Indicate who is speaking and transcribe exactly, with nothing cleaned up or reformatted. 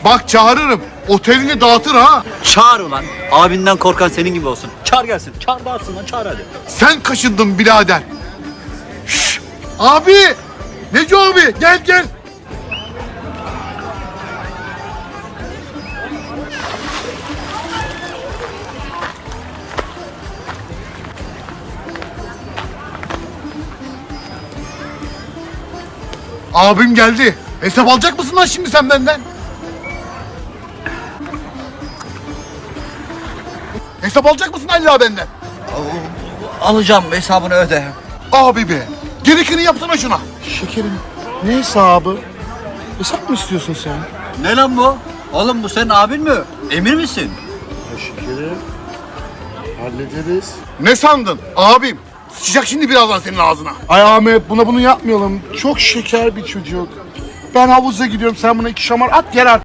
Speaker 1: Bak çağırırım. Otelini dağıtır ha.
Speaker 2: Çağır ulan. Abinden korkan senin gibi olsun. Çağır gelsin. Çağır dağıtsın lan, çağır hadi.
Speaker 1: Sen kaşındın birader. Şşş! Abi! Neco abi gel gel. Abim geldi. Hesap alacak mısın lan şimdi sen benden? Hesap alacak mısın Allah benden?
Speaker 2: Alacağım, hesabını öde.
Speaker 1: Abi be. Gerekeni yapsana şuna.
Speaker 3: Şekerim, ne hesabı? Hesap mı istiyorsun sen?
Speaker 2: Ne lan bu? Oğlum bu senin abin mi? Emir misin?
Speaker 3: Ya şekerim, hallederiz.
Speaker 1: Ne sandın? Abim. Sıçacak şimdi birazdan senin ağzına.
Speaker 3: Ay Ahmet, buna bunu yapmayalım. Çok şeker bir çocuk. Ben havuza gidiyorum, sen buna iki şamar at gel artık.